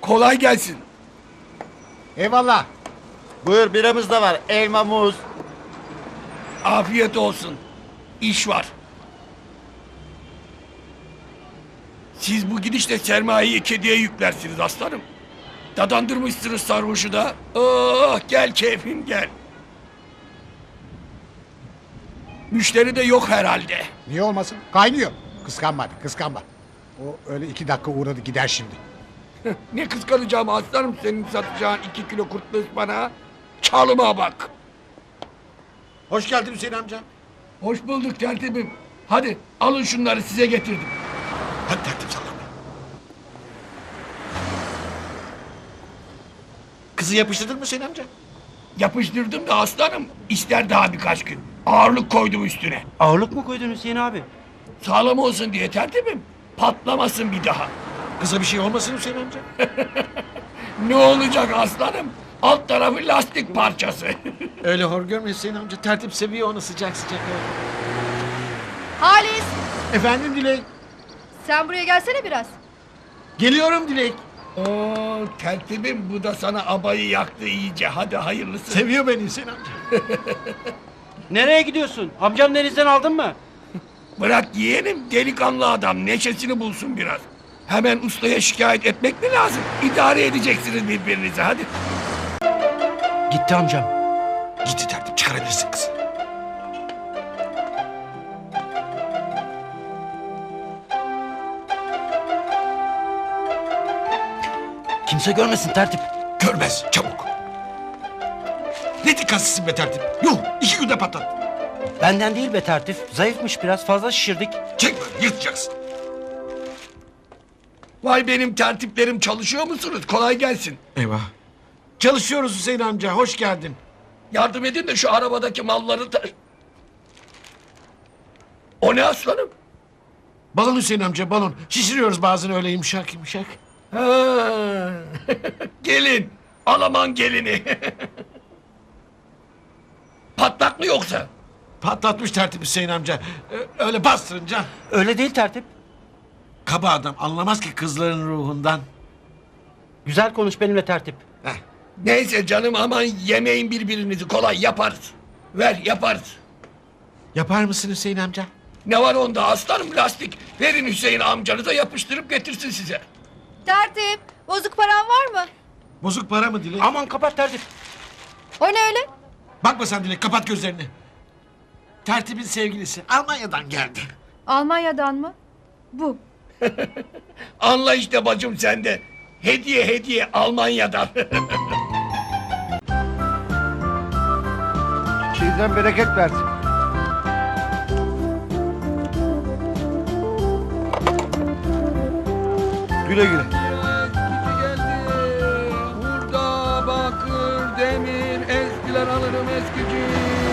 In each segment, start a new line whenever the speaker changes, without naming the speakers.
Kolay gelsin.
Eyvallah.
Buyur biramız da var. Elma, muz.
Afiyet olsun. İş var. Siz bu gidişle sermayeyi kediye yüklersiniz aslanım. Dadandırmışsınız sarhoşu da. Oh gel keyfim gel. Müşteri de yok herhalde.
Niye olmasın? Kaynıyor. Kıskanma, kıskanma. O öyle 2 dakika uğradı gider şimdi.
Ne kıskanacağım aslanım senin satacağın 2 kilo kurtlu ıspanağı. Çalıma bak.
Hoş geldin Hüseyin amca.
Hoş bulduk tertibim. Hadi alın şunları size getirdim.
Hadi tertip sallama.
Kızı yapıştırdın mı Hüseyin amca?
Yapıştırdım da aslanım. İster daha birkaç gün. Ağırlık koydum üstüne.
Ağırlık mı koydun Hüseyin abi?
Sağlam olsun diye tertibim. Patlamasın bir daha.
Kıza bir şey olmasın Hüseyin amca?
Ne olacak aslanım? Alt tarafı lastik parçası.
Öyle hor görme Hüseyin amca. Tertip seviyor onu sıcak sıcak.
Halis,
Efendim Dilek.
sen buraya gelsene biraz.
Geliyorum Dilek.
Oo tertibim bu da sana abayı yaktı iyice. Hadi hayırlısı.
Seviyor beni Hüseyin amca.
Nereye gidiyorsun? Amcam denizden aldın mı?
Bırak yeğenim delikanlı adam neşesini bulsun biraz. Hemen ustaya şikayet etmek mi lazım? İdare edeceksiniz birbirinizi hadi.
Gitti amcam.
Gitti tertip çıkarabilirsin kızı.
Kimse görmesin tertip.
Görmez çabuk. Ne dikkatsizsin be tertip. Yuh 2 günde patlat.
Benden değil be tertip. Zayıfmış biraz fazla şişirdik.
Çek böyle yırtacaksın.
Vay benim tertiplerim çalışıyor musunuz? Kolay gelsin.
Eyvah. Çalışıyoruz Hüseyin amca hoş geldin.
Yardım edin de şu arabadaki malları da... O ne aslanım?
Balon Hüseyin amca balon. Şişiriyoruz bazen öyle yumuşak yumuşak.
Ha. Gelin. Alaman gelini. Patlak mı yoksa?
Patlatmış tertip Hüseyin amca. Öyle bastırınca.
Öyle değil tertip.
Kaba adam anlamaz ki kızların ruhundan.
Güzel konuş benimle tertip.
Heh.
Neyse canım aman yemeyin birbirinizi kolay yaparız. Ver yaparız.
Yapar mısın Hüseyin amca?
Ne var onda aslanım lastik. Verin Hüseyin amcanıza yapıştırıp getirsin size.
Tertip, bozuk paran var mı?
Bozuk para mı Dilek?
Aman kapat tertip.
O ne öyle?
Bakma sen Dilek kapat gözlerini. Tertibin sevgilisi Almanya'dan geldi.
Almanya'dan mı? Bu.
Anla işte bacım sende. Hediye hediye Almanya'dan.
Sizden bereket versin. Güle güle.
Hurda, bakır, demir, eskiler alırım eskici.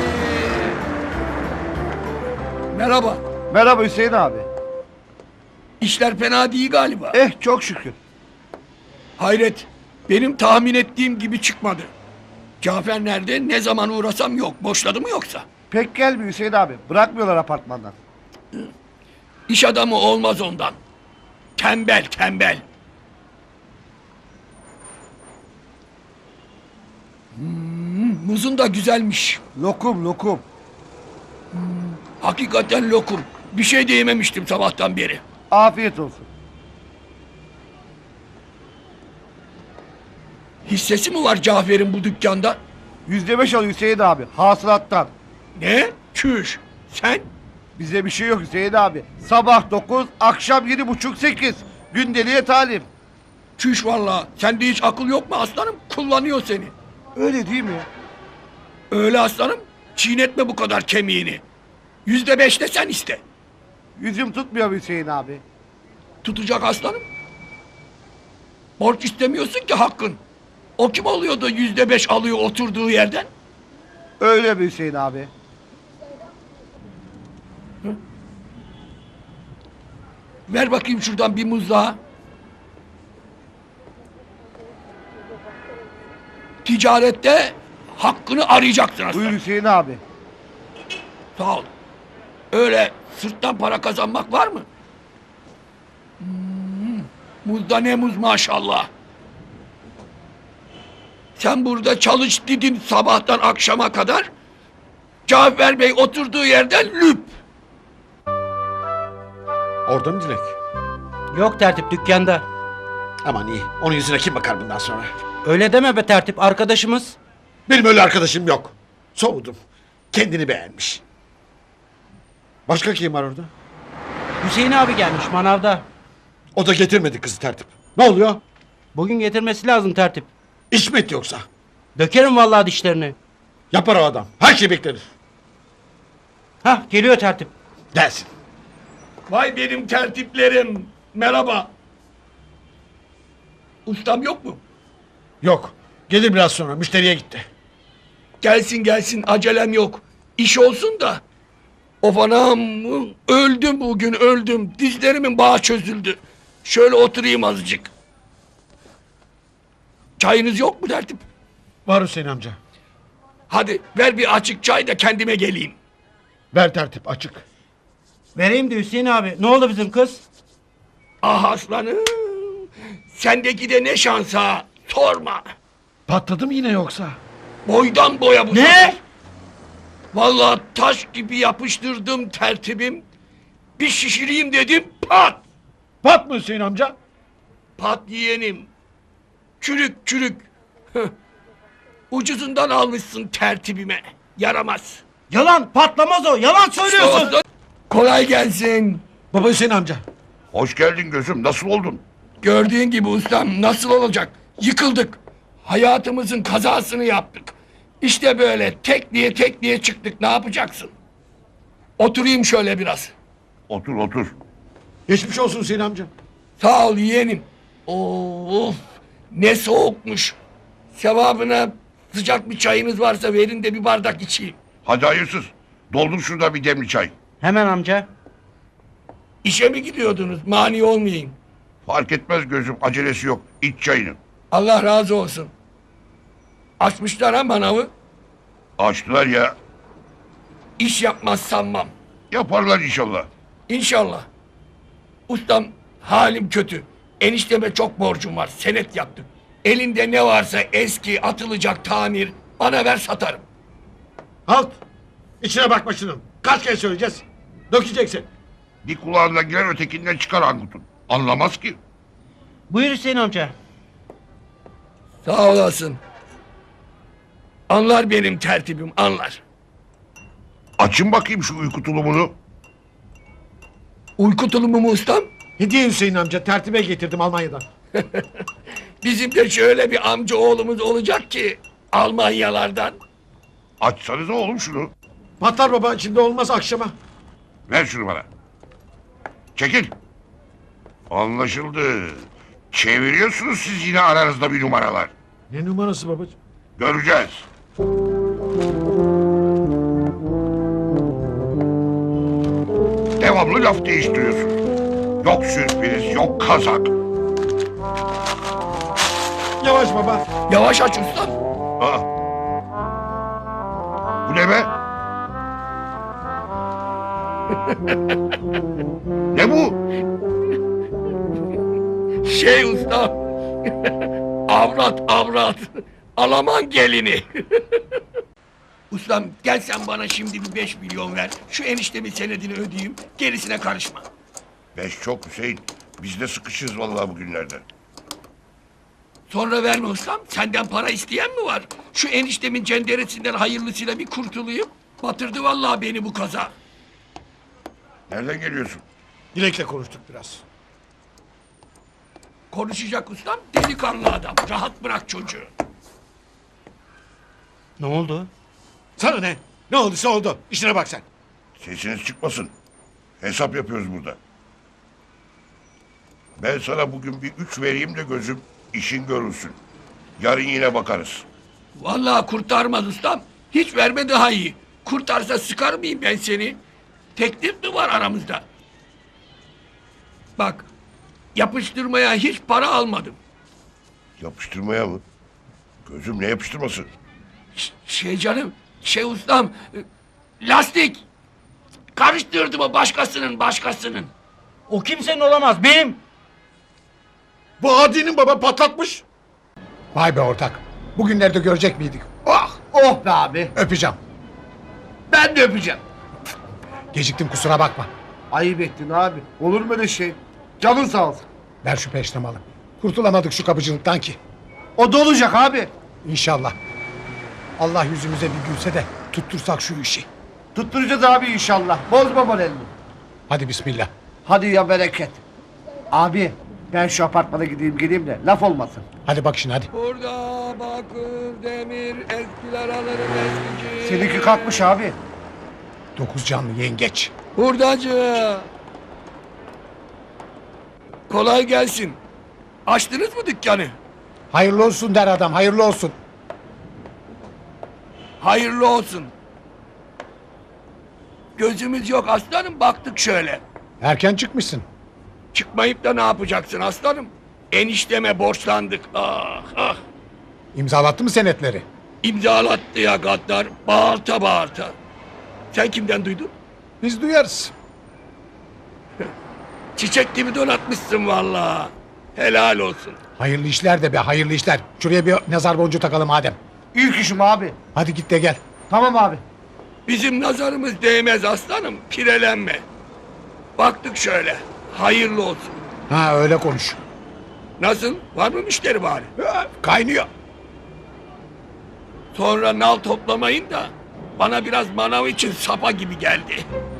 Merhaba.
Merhaba Hüseyin abi.
İşler fena değil galiba.
Çok şükür.
Hayret. Benim tahmin ettiğim gibi çıkmadı. Cafer nerede? Ne zaman uğrasam yok. Boşladı mı yoksa?
Pek gelmiyor Hüseyin abi. Bırakmıyorlar apartmandan.
İş adamı olmaz ondan. Tembel, tembel. Muzun da güzelmiş.
Lokum lokum.
Hakikaten lokum. Bir şey de yememiştim sabahtan beri.
Afiyet olsun.
Hissesi mi var Cafer'in bu dükkanda?
%5 alıyor Hüseyin abi. Hasılattan.
Ne? Çüş. Sen?
Bize bir şey yok Hüseyin abi. Sabah 9, akşam 7.30-8. Gündeliğe talim.
Çüş valla. Sende hiç akıl yok mu aslanım? Kullanıyor seni.
Öyle değil mi?
Öyle aslanım. Çiğnetme bu kadar kemiğini. %5 de sen iste.
Yüzüm tutmuyor Hüseyin abi.
Tutacak aslanım. Borç istemiyorsun ki hakkın. O kim oluyor da %5 alıyor oturduğu yerden?
Öyle mi Hüseyin abi?
Ver bakayım şuradan bir muz daha. Ticarette hakkını arayacaksın aslanım.
Buyur Hüseyin abi.
Sağ ol. Öyle sırttan para kazanmak var mı? Muzda ne muz maşallah. Sen burada çalış dedin sabahtan akşama kadar. Cafer Bey oturduğu yerden lüp.
Orada mı Dilek?
Yok tertip dükkanda.
Aman iyi. Onun yüzüne kim bakar bundan sonra?
Öyle deme be tertip arkadaşımız.
Benim öyle arkadaşım yok. Soğudum. Kendini beğenmiş. Başka kim var orada?
Hüseyin abi gelmiş manavda.
O da getirmedi kızı tertip. Ne oluyor?
Bugün getirmesi lazım tertip.
İş mi etti yoksa?
Dökerim vallahi dişlerini.
Yapar o adam. Her şey beklenir.
Hah geliyor tertip.
Gelsin.
Vay benim tertiplerim. Merhaba. Ustam yok mu?
Yok. Gelir biraz sonra. Müşteriye gitti.
Gelsin gelsin acelem yok. İş olsun da. Of anam öldüm bugün öldüm. Dizlerimin bağı çözüldü. Şöyle oturayım azıcık. Çayınız yok mu tertip?
Var Hüseyin amca.
Hadi ver bir açık çay da kendime geleyim.
Ver tertip açık.
Vereyim de Hüseyin abi. Ne oldu bizim kız?
Ah aslanım. Sendeki de ne şans ha. Sorma.
Patladı mı yine yoksa?
Boydan boya bu
Ne?
sefer. Vallahi taş gibi yapıştırdım tertibim. Bir şişireyim dedim pat.
Pat mı Hüseyin amca?
Pat yeğenim. Çürük çürük. Hıh. Ucuzundan almışsın tertibime. Yaramaz.
Yalan patlamaz o. Yalan söylüyorsun.
Olsun. Kolay gelsin.
Baba Hüseyin amca.
Hoş geldin gözüm. Nasıl oldun?
Gördüğün gibi ustam nasıl olacak? Yıkıldık. Hayatımızın kazasını yaptık. İşte böyle tek diye çıktık. Ne yapacaksın? Oturayım şöyle biraz.
Otur otur.
Geçmiş olsun Hüseyin amca.
Sağ ol yeğenim. Of ne soğukmuş. Sevabına sıcak bir çayınız varsa verin de bir bardak içeyim.
Hadi hayırsız. Doldur şurada bir demli çay.
Hemen amca.
İşe mi gidiyordunuz? Mani olmayayım.
Fark etmez gözüm. Acelesi yok. İç çayını.
Allah razı olsun. Açmışlar ha manavı.
Açtılar ya.
İş yapmaz sanmam.
Yaparlar inşallah.
İnşallah. Ustam halim kötü. Enişteme çok borcum var. Senet yaptık. Elinde ne varsa eski atılacak tamir bana ver satarım.
Halt. İçine bakma şunun. Kaç kere söyleyeceğiz? Dökeceksin.
Bir kulağından girer ötekinden çıkar Angut'un. Anlamaz ki.
Buyur Hüseyin amca.
Sağ olasın. Anlar benim tertibim anlar.
Açın bakayım şu uyku tulumunu.
Uyku tulumu mu ustam?
Hediye Hüseyin amca tertibe getirdim Almanya'dan.
Bizim de şöyle bir amca oğlumuz olacak ki Almanyalardan.
Açsanıza oğlum şunu.
Patlar baba şimdi olmaz akşama.
Ver şunu bana. Çekil. Anlaşıldı. Çeviriyorsunuz siz yine aranızda bir numaralar.
Ne numarası babacığım?
Göreceğiz. Devamlı laf değiştiriyorsun. Yok sürpriz, yok kazak.
Yavaş baba.
Yavaş aç ustam.
Aa. Bu ne be? Ne bu?
Şey ustam. avrat. Alaman gelini. Ustam gel sen bana şimdi bir 5 milyon ver. Şu eniştemin senedini ödeyeyim. Gerisine karışma.
5 çok Hüseyin. Biz de sıkışırız vallahi bugünlerde.
Sonra verme ustam. Senden para isteyen mi var? Şu eniştemin cenderesinden hayırlısıyla bir kurtulayım. Batırdı vallahi beni bu kaza.
Nereden geliyorsun?
Dilek'le konuştuk biraz.
Konuşacak ustam delikanlı adam. Rahat bırak çocuğu.
Ne oldu?
Sana ne? Ne olduysa oldu. İşine bak sen.
Sesiniz çıkmasın. Hesap yapıyoruz burada. Ben sana bugün bir 3 vereyim de gözüm işin görülsün. Yarın yine bakarız.
Vallahi kurtarmaz ustam. Hiç verme daha iyi. Kurtarsa sıkar mıyım ben seni? Teklif mi var aramızda? Bak, yapıştırmaya hiç para almadım.
Yapıştırmaya mı? Gözüm ne yapıştırması?
Şey canım, şey ustam, lastik. Karıştırdım o başkasının.
O kimsenin olamaz. Benim.
Bu Adi'nin baba patlatmış. Vay be ortak.
Bugünlerde görecek miydik? Ah!
Oh be abi.
Öpeceğim.
Ben de öpeceğim.
Geciktim kusura bakma.
Ayıp ettin abi. Olur mu öyle şey? Canın sağ olsun.
Ver şu peştemalı. Kurtulamadık şu kapıcılıktan ki.
O da olacak abi.
İnşallah. Allah yüzümüze bir gülse de tuttursak şu işi.
Tutturacağız abi inşallah. Bozma moralini.
Hadi bismillah.
Hadi ya bereket. Abi ben şu apartmana gideyim geleyim de laf olmasın.
Hadi bak şimdi hadi.
Burada bakır, demir, eskiler alırım eskici.
Seninki kalkmış abi.
9 canlı yengeç.
Hurdacı. Kolay gelsin. Açtınız mı dükkanı?
Hayırlı olsun der adam, hayırlı olsun.
Hayırlı olsun. Gözümüz yok aslanım, baktık şöyle.
Erken çıkmışsın.
Çıkmayıp da ne yapacaksın aslanım? Enişteme borçlandık. Ah ah.
İmzalattı mı senetleri?
İmzalattı ya gaddar. Bağırta bağırta. Sen kimden duydun?
Biz duyarız.
Çiçek gibi donatmışsın vallahi. Helal olsun.
Hayırlı işler de be, hayırlı işler. Şuraya bir nazar boncuğu takalım Adem.
İlk işim abi.
Hadi git de gel.
Tamam abi.
Bizim nazarımız değmez aslanım. Pirelenme. Baktık şöyle. Hayırlı olsun.
Ha öyle konuş.
Nasıl? Var mı müşteri bari?
Ha, kaynıyor.
Sonra nal toplamayın da bana biraz manav için sapa gibi geldi.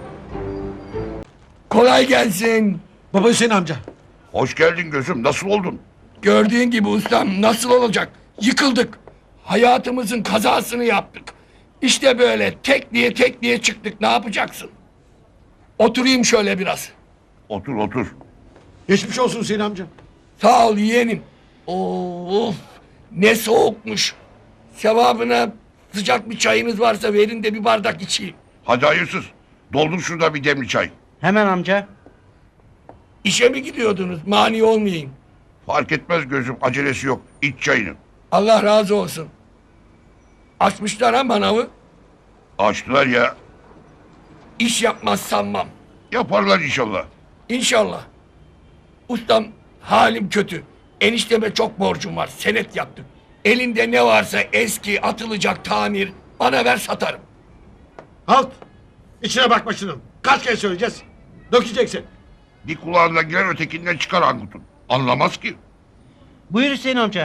Kolay gelsin.
Baba Hüseyin amca.
Hoş geldin gözüm. Nasıl oldun?
Gördüğün gibi ustam nasıl olacak? Yıkıldık. Hayatımızın kazasını yaptık. İşte böyle tek diye çıktık. Ne yapacaksın? Oturayım şöyle biraz.
Otur otur.
Geçmiş olsun Hüseyin amca.
Sağ ol yeğenim. Of ne soğukmuş. Sevabına sıcak bir çayınız varsa verin de bir bardak içeyim.
Hadi hayırsız. Doldur şurada bir demli çay.
Hemen amca.
İşe mi gidiyordunuz? Mani olmayayım.
Fark etmez gözüm. Acelesi yok. İç çayını.
Allah razı olsun. Açmışlar ha manavı.
Açtılar ya.
İş yapmaz sanmam.
Yaparlar inşallah.
İnşallah. Ustam halim kötü. Enişteme çok borcum var. Senet yaptık. Elinde ne varsa eski atılacak tamir bana ver satarım.
Halt. İçine bakma şunun. Kaç kere söyleyeceğiz? Dökeceksin.
Bir kulağından girer ötekinden çıkar Angut'un. Anlamaz ki.
Buyur Hüseyin amca.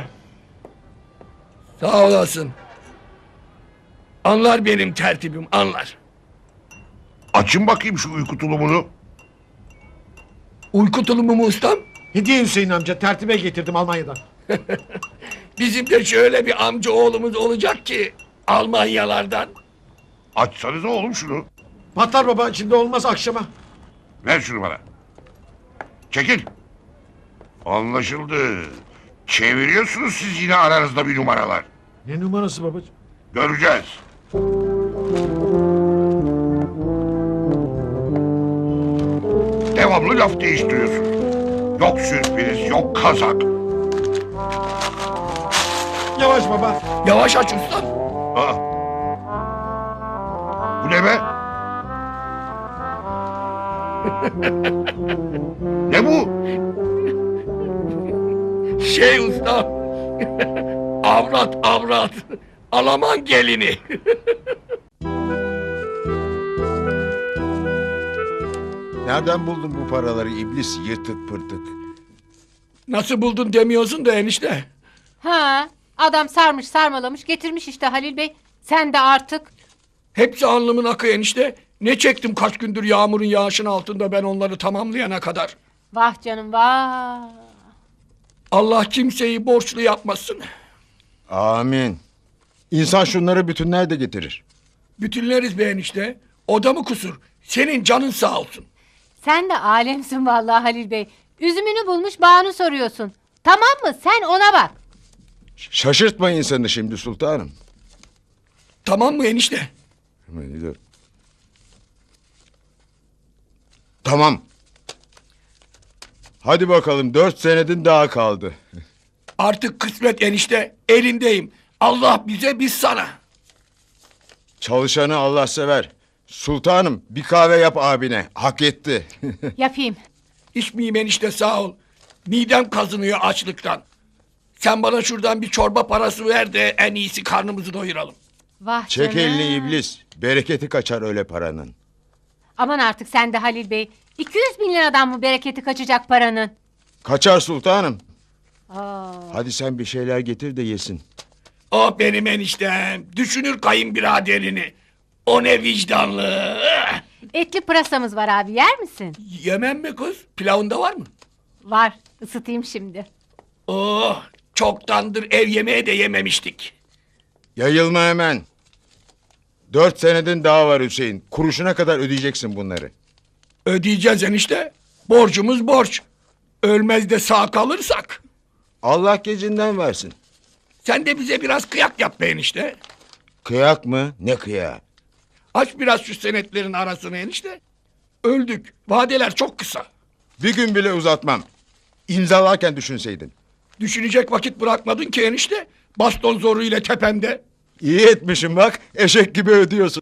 Sağ olasın. Anlar benim tertibim anlar.
Açın bakayım şu uyku tulumunu.
Uyku tulumu mu ustam?
Hediye Hüseyin amca tertibe getirdim Almanya'dan.
Bizim de şöyle bir amca oğlumuz olacak ki Almanyalardan.
Açsanıza oğlum şunu.
Patlar baba şimdi olmaz akşama.
Ver şunu bana. Çekil. Anlaşıldı. Çeviriyorsunuz siz yine aranızda bir numaralar.
Ne numarası babacığım?
Göreceğiz. Devamlı laf değiştiriyorsun. Yok sürpriz, yok kazak.
Yavaş baba.
Yavaş aç ustam.
Aa. Bu ne be? Ne bu?
Şey ustam. avrat. Alaman gelini.
Nereden buldun bu paraları iblis yırtık pırtık?
Nasıl buldun demiyorsun da enişte.
Ha, adam sarmış sarmalamış getirmiş işte Halil Bey. Sen de artık.
Hepsi alnımın akı enişte. Ne çektim kaç gündür yağmurun yağışın altında ben onları tamamlayana kadar.
Vah canım vah.
Allah kimseyi borçlu yapmasın.
Amin. İnsan şunları bütünler de getirir.
Bütünleriz be enişte. O da mı kusur? Senin canın sağ olsun.
Sen de alemsin vallahi Halil Bey. Üzümünü bulmuş bağını soruyorsun. Tamam mı sen ona bak.
Şaşırtma insanı şimdi sultanım.
Tamam mı enişte?
Tamam. Hadi bakalım 4 senedin daha kaldı.
Artık kısmet enişte. Elindeyim. Allah bize biz sana.
Çalışanı Allah sever. Sultanım bir kahve yap abine. Hak etti.
Yapayım.
İçmeyeyim enişte sağ ol. Midem kazınıyor açlıktan. Sen bana şuradan bir çorba parası ver de en iyisi karnımızı doyuralım.
Vah
Çek
canım.
elini iblis. Bereketi kaçar öyle paranın.
Aman artık sen de Halil Bey. 200 bin liradan mı bereketi kaçacak paranın?
Kaçar sultanım.
Aa.
Hadi sen bir şeyler getir de yesin.
O benim eniştem. Düşünür kayınbiraderini. O ne vicdanlı.
Etli pırasamız var abi, yer misin?
Yemem mi kız? Pilavında var mı?
Var, ısıtayım şimdi.
Oh, çoktandır ev yemeği de yememiştik.
Yayılma hemen. 4 senedin daha var Hüseyin. Kuruşuna kadar ödeyeceksin bunları.
Ödeyeceğiz enişte. Borcumuz borç. Ölmez de sağ kalırsak.
Allah gecinden versin.
Sen de bize biraz kıyak yap be enişte.
Kıyak mı? Ne kıyağı?
Aç biraz şu senetlerin arasını enişte. Öldük. Vadeler çok kısa.
Bir gün bile uzatmam. İmzalarken düşünseydin.
Düşünecek vakit bırakmadın ki enişte. Baston zoruyla tepemde.
İyi etmişim bak. Eşek gibi ödüyorsun.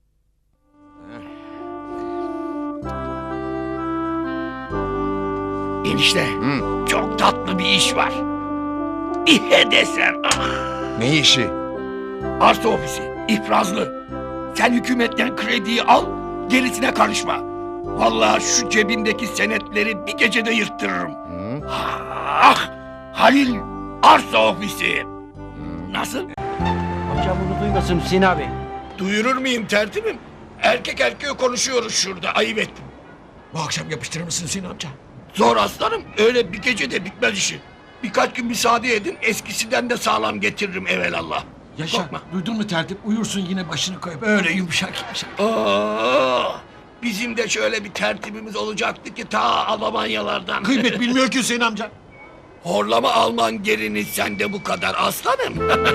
Enişte çok tatlı bir iş var. İhe desem. Ah.
Ne işi?
Arsa ofisi. İfrazlı. Sen hükümetten krediyi al. Gerisine karışma. Vallahi şu cebindeki senetleri bir gecede yırttırırım. Ah! Halil arsa ofisi. Nasıl?
Amcam bunu duymasın Hüseyin abi.
Duyurur muyum tertibim? Erkek erkeğe konuşuyoruz şurada. Ayıp ettim. Bu akşam yapıştırır mısın Hüseyin amca? Zor aslanım. Öyle bir gecede bitmez işi. Birkaç gün müsaade edin. Eskisinden de sağlam getiririm evelallah.
Yaşa.
Korkma.
Duydun mu tertip? Uyursun yine başını koyup öyle yumuşak yumuşak.
Bizim de şöyle bir tertibimiz olacaktı ki ta Almanyalardan.
Kıymet bilmiyor ki Hüseyin amca.
Horlama Alman gelini sende bu kadar aslanım.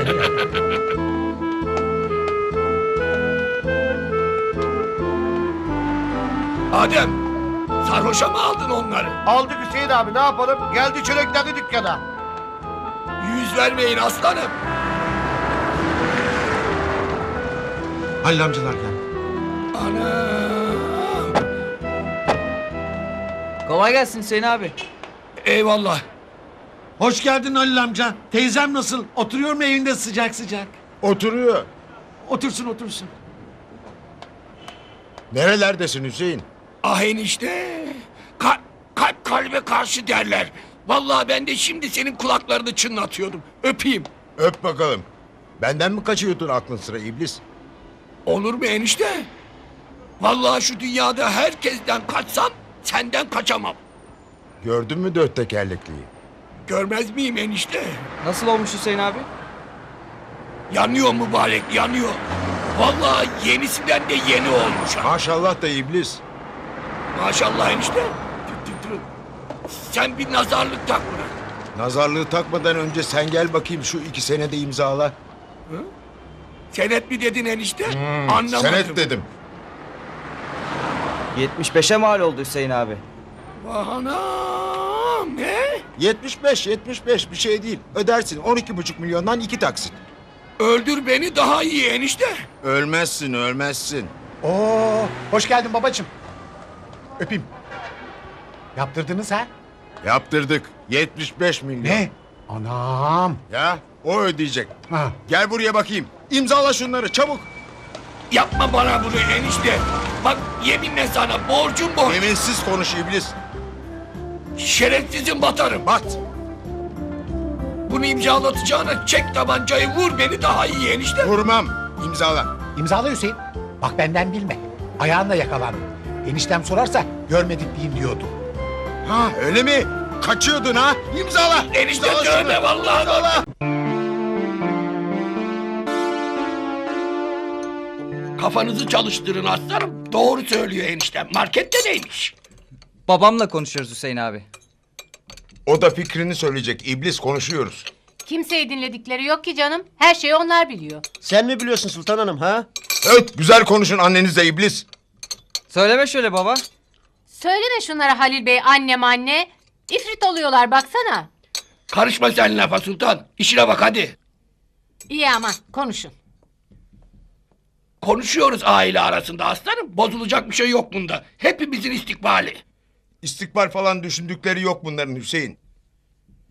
Adem, sarhoşa mı aldın onları?
Aldık Hüseyin abi, ne yapalım? Geldi çöreklendi dükkana.
Yüz vermeyin aslanım.
Halil amcalar geldi.
Anam.
Kolay gelsin Hüseyin abi.
Eyvallah.
Hoş geldin Halil amca. Teyzem nasıl? Oturuyor mu evinde sıcak sıcak?
Oturuyor.
Otursun otursun.
Nerelerdesin Hüseyin?
Ah enişte. Kalp kalbe karşı derler. Vallahi ben de şimdi senin kulaklarını çınlatıyordum. Öpeyim.
Öp bakalım. Benden mi kaçıyordun aklın sıra iblis?
Olur mu enişte? Vallahi şu dünyada herkesten kaçsam senden kaçamam.
Gördün mü 4 tekerlekliyi?
Görmez miyim enişte?
Nasıl olmuş Hüseyin abi?
Yanıyor mübarek yanıyor. Vallahi yenisinden de yeni olmuş ha.
Maşallah da iblis.
Maşallah enişte. Dur. Sen bir nazarlık tak buna.
Nazarlığı takmadan önce sen gel bakayım şu 2 senede imzala.
Senet mi dedin enişte? Anlamadım.
Senet dedim.
75'e mal oldu Hüseyin abi.
Vah anam ne?
75 bir şey değil. Ödersin 12,5 milyondan 2 taksit.
Öldür beni daha iyi enişte.
Ölmezsin.
Oo, hoş geldin babacığım. Öpeyim. Yaptırdınız ha?
Yaptırdık. 75 milyon.
Ne? Anam.
Ya o ödeyecek.
Ha.
Gel buraya bakayım. İmzala şunları çabuk.
Yapma bana bunu enişte. Bak yeminle sana borcum borç.
Eminsiz konuş iblis.
Şerefsizim batarım.
Bat.
Bunu imzalatacağına çek tabancayı vur beni daha iyi enişte.
Vurmam. İmzala.
İmzala Hüseyin. Bak benden bilme. Ayağınla yakalandın. Eniştem sorarsa görmedik diyeyim diyordu.
Ha öyle mi? Kaçıyordun ha? İmzala.
Enişte
İmzala
dövme
şunu.
vallahi.
İmzala.
Kafanızı çalıştırın aslanım. Doğru söylüyor eniştem. Markette neymiş?
Babamla konuşuyoruz Hüseyin abi.
O da fikrini söyleyecek. İblis konuşuyoruz.
Kimseyi dinledikleri yok ki canım. Her şeyi onlar biliyor.
Sen mi biliyorsun Sultan Hanım ha?
Evet güzel konuşun annenizle iblis.
Söyleme şöyle baba.
Söyleme şunlara Halil Bey, anne. İfrit oluyorlar baksana.
Karışma sen lafa sultan. İşine bak hadi.
İyi aman konuşun.
Konuşuyoruz aile arasında aslanım. Bozulacak bir şey yok bunda. Hepimizin istikbali.
İstikbal falan düşündükleri yok bunların Hüseyin.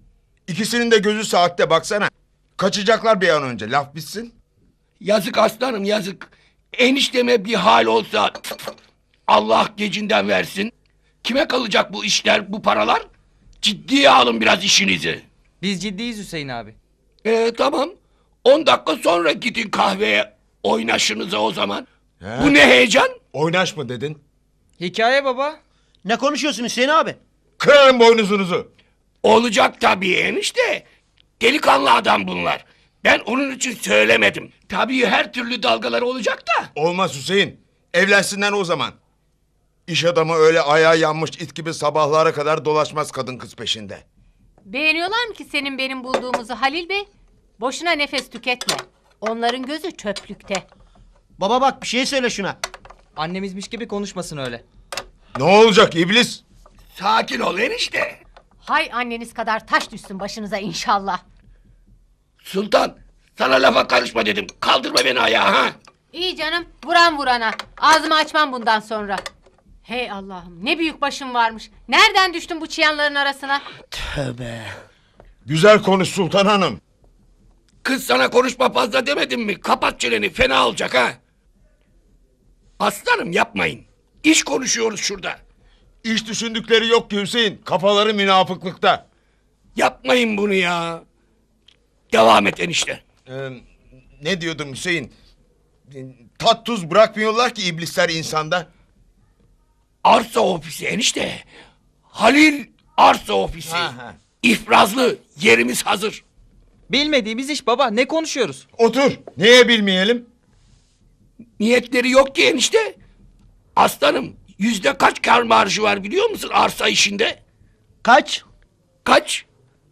İkisinin de gözü saatte baksana. Kaçacaklar bir an önce. Laf bitsin.
Yazık aslanım yazık. Enişteme bir hal olsa Allah gecinden versin. Kime kalacak bu işler, bu paralar? Ciddiye alın biraz işinizi.
Biz ciddiyiz Hüseyin abi.
Tamam. 10 dakika sonra gidin kahveye oynaşınıza o zaman.
He.
Bu ne heyecan?
Oynaş mı dedin?
Hikaye baba.
Ne konuşuyorsun Hüseyin abi?
Kırarım boynuzunuzu.
Olacak tabii enişte. Delikanlı adam bunlar. Ben onun için söylemedim. Tabii her türlü dalgaları olacak da.
Olmaz Hüseyin. Evlensinler o zaman. İş adamı öyle ayağı yanmış it gibi sabahlara kadar dolaşmaz kadın kız peşinde.
Beğeniyorlar mı ki senin benim bulduğumuzu Halil Bey? Boşuna nefes tüketme. Onların gözü çöplükte.
Baba bak bir şey söyle şuna.
Annemizmiş gibi konuşmasın öyle.
Ne olacak iblis?
Sakin ol enişte.
Hay anneniz kadar taş düşsün başınıza inşallah.
Sultan sana lafa karışma dedim. Kaldırma beni ayağa ha.
İyi canım, vuran vurana. Ağzımı açmam bundan sonra. Hey Allah'ım, ne büyük başım varmış. Nereden düştüm bu çıyanların arasına?
Tövbe.
Güzel konuş Sultan Hanım.
Kız sana konuşma fazla demedim mi? Kapat çeneni fena olacak ha. Aslanım yapmayın. İş konuşuyoruz şurada.
İş düşündükleri yok ki Hüseyin. Kafaları münafıklıkta.
Yapmayın bunu ya. Devam et enişte.
Ne diyordum Hüseyin? Tat tuz bırakmıyorlar ki iblisler insanda.
Arsa ofisi enişte. Halil arsa ofisi.
Ha.
İfrazlı yerimiz hazır.
Bilmediğimiz iş baba. Ne konuşuyoruz?
Otur. Neye bilmeyelim?
Niyetleri yok ki enişte. Aslanım kaç kar marjı var biliyor musun arsa işinde?
Kaç?
Kaç?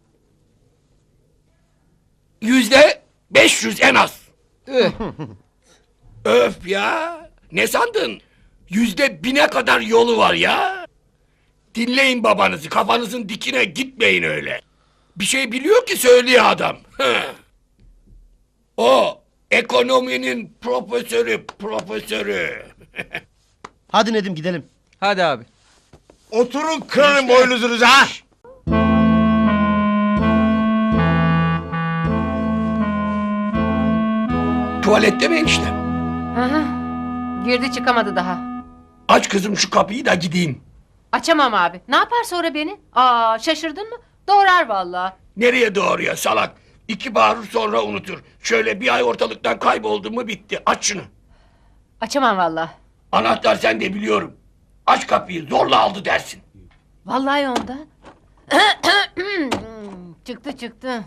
500 en az. Öf ya. Ne sandın? 1000'e kadar yolu var ya. Dinleyin babanızı. Kafanızın dikine gitmeyin öyle. Bir şey biliyor ki söylüyor adam. O ekonominin profesörü.
Hadi Nedim gidelim.
Hadi abi.
Oturun kırarım boynuzunuzu ha.
Tuvalette mi enişte?
Hı hı. Girdi çıkamadı daha.
Aç kızım şu kapıyı da gideyim.
Açamam abi. Ne yapar sonra beni? Aa, şaşırdın mı? Doğrar vallahi.
Nereye doğruya salak? 2 bağırır sonra unutur. Şöyle bir ay ortalıktan kayboldu mu bitti. Aç şunu.
Açamam vallahi.
Anahtar sende biliyorum. Aç kapıyı zorla aldı dersin.
Vallahi onda. çıktı.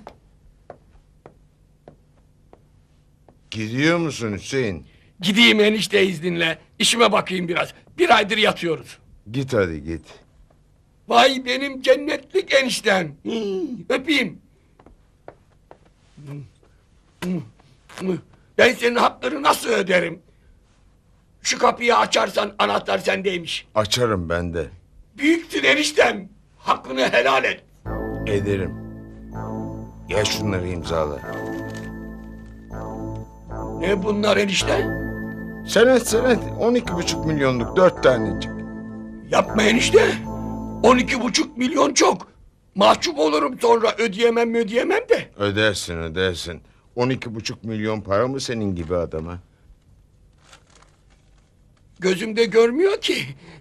Gidiyor musun Hüseyin?
Gideyim enişte izninle. İşime bakayım biraz. 1 aydır yatıyoruz.
Git hadi git.
Vay benim cennetlik eniştem. Öpeyim. Ben senin hakları nasıl öderim? Şu kapıyı açarsan anahtar sendeymiş.
Açarım ben de.
Büyüksün eniştem. Hakkını helal et.
Ederim. Ya şunları imzala.
Ne bunlar enişte?
Senet 12,5 milyonluk 4 tanecik.
Yapma enişte. 12,5 milyon çok. Mahcup olurum sonra ödeyemem de.
Ödersin. 12,5 milyon para mı senin gibi adama?
Gözümde görmüyor ki.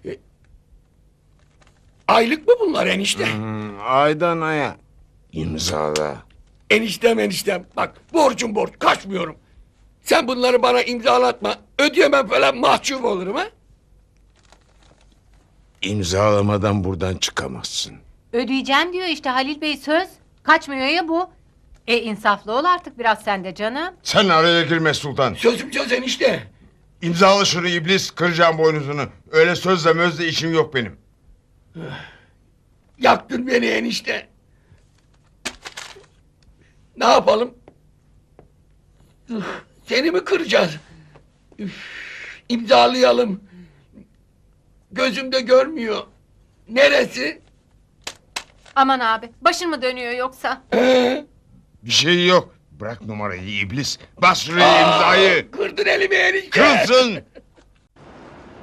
Aylık mı bunlar enişte?
Aydan aya. İmzala.
Eniştem. Bak borcum borç kaçmıyorum. Sen bunları bana imzalatma. Ödeyemem falan mahcup olurum ha.
İmzalamadan buradan çıkamazsın.
Ödeyeceğim diyor işte Halil Bey söz. Kaçmıyor ya bu. İnsaflı ol artık biraz sen de canım.
Sen araya girme Sultan.
Sözüm söz enişte.
İmzala şunu iblis, kıracağım boynuzunu. Öyle sözle mözle işim yok benim.
Yaktın beni enişte. Ne yapalım? Seni mi kıracağız? İmzalayalım. Gözümde görmüyor. Neresi?
Aman abi başın mı dönüyor yoksa?
Bir şey yok. Bırak numarayı iblis. Bas şuraya imzayı.
Kırdın elimi enişte.
Kırsın.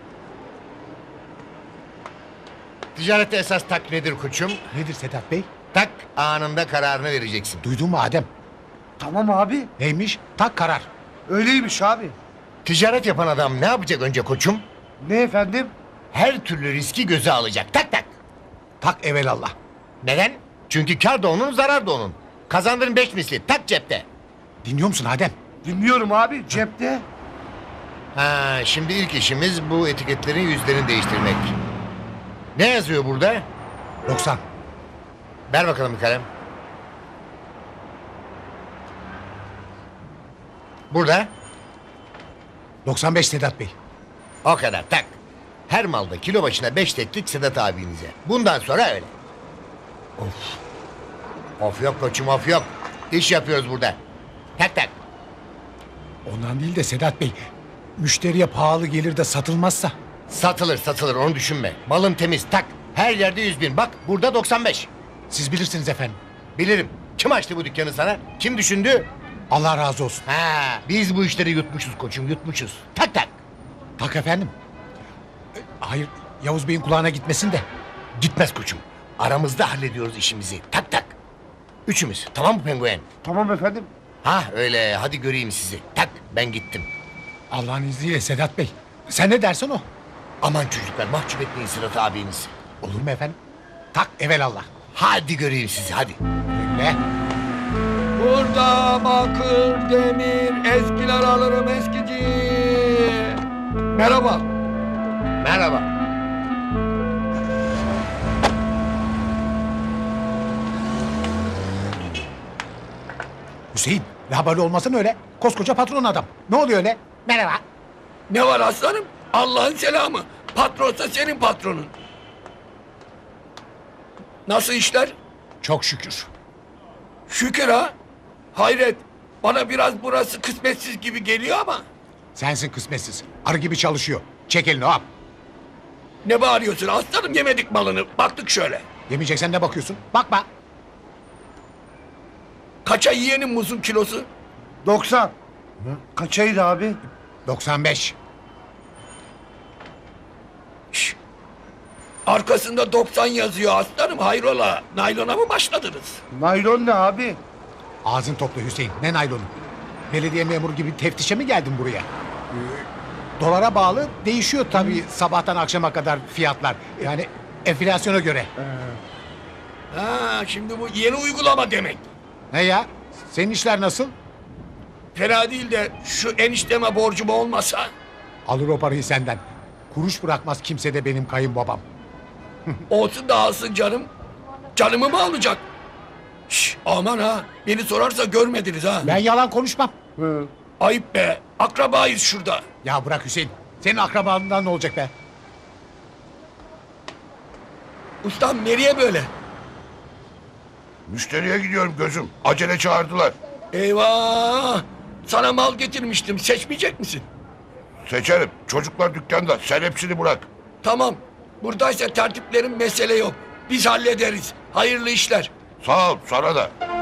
Ticarette esas tak nedir koçum? Nedir Sedat Bey?
Tak anında kararını vereceksin.
Duydun mu Adem?
Tamam abi.
Neymiş? Tak karar.
Öyleymiş abi.
Ticaret yapan adam ne yapacak önce koçum?
Ne efendim?
Her türlü riski göze alacak. Tak tak.
Tak evelallah.
Neden? Çünkü kar da onun, zarar da onun. Kazandırın 5 misli. Tak cepte.
Dinliyor musun Adem?
Dinliyorum abi cepte.
Ha, şimdi ilk işimiz bu etiketlerin yüzlerini değiştirmek. Ne yazıyor burada?
90.
Ver bakalım bir kalem. Burada
95 Sedat Bey.
o kadar tak. Her malda kilo başına 5 teklik Sedat abinize. Bundan sonra öyle. Of. Of yok koçum of yok. İş yapıyoruz burada. Tak tak.
Ondan değil de Sedat Bey. Müşteriye pahalı gelir de satılmazsa.
Satılır satılır onu düşünme. Malın temiz tak. Her yerde 100.000 bak burada 95.
Siz bilirsiniz efendim.
Bilirim. Kim açtı bu dükkanı sana? Kim düşündü?
Allah razı olsun.
Ha, biz bu işleri yutmuşuz koçum yutmuşuz. Tak tak.
Tak efendim. Hayır Yavuz Bey'in kulağına gitmesin de.
Gitmez koçum. Aramızda hallediyoruz işimizi. Tak tak. Üçümüz. Tamam mı penguen?
Tamam efendim.
Ha öyle. Hadi göreyim sizi. Tak ben gittim.
Allah'ın izniyle Sedat Bey. Sen ne dersen o.
Aman çocuklar mahcup etmeyin Sırat abinizi.
Olur mu efendim? Tak evelallah.
Hadi göreyim sizi hadi.
Ne?
Burada bakır, demir, eskiler alırım eskici. Merhaba.
Merhaba.
Hüseyin. Labali olmasın öyle. Koskoca patron adam. Ne oluyor öyle? Merhaba.
Ne var aslanım? Allah'ın selamı. Patronsa senin patronun. Nasıl işler?
Çok şükür.
Şükür ha. Hayret. Bana biraz burası kısmetsiz gibi geliyor ama.
Sensin kısmetsiz. Arı gibi çalışıyor. Çek elini hop.
Ne bağırıyorsun aslanım, yemedik malını. Baktık şöyle.
Yemeyeceksen ne bakıyorsun? Bakma.
Kaça yiyenin muzun kilosu?
90. Kaçaydı abi?
95.
Şş. Arkasında 90 yazıyor aslanım, hayrola. Naylona mı başladınız?
Naylon ne abi?
Ağzın topla Hüseyin. Ne naylonu? Belediye memuru gibi teftişe mi geldin buraya? Dolara bağlı değişiyor tabii sabahtan akşama kadar fiyatlar. Yani enflasyona göre.
Ha, şimdi bu yeni uygulama demek.
Ne ya? Senin işler nasıl?
Fena değil de şu enişteme borcum olmasa.
Alır o parayı senden. Kuruş bırakmaz kimse de benim kayınbabam.
Olsun da alsın canım. Canımı mı alacak? Şş, aman ha. Beni sorarsa görmediniz ha.
Ben yalan konuşmam.
Ayıp be. Akrabayız şurada.
Ya bırak Hüseyin. Senin akrabalığından ne olacak be?
Ustam nereye böyle?
Müşteriye gidiyorum gözüm. Acele çağırdılar.
Eyvah. Sana mal getirmiştim. Seçmeyecek misin?
Seçerim. Çocuklar dükkanda. Sen hepsini bırak.
Tamam. Buradaysa tertiplerin mesele yok. Biz hallederiz. Hayırlı işler.
Sağ ol sana da.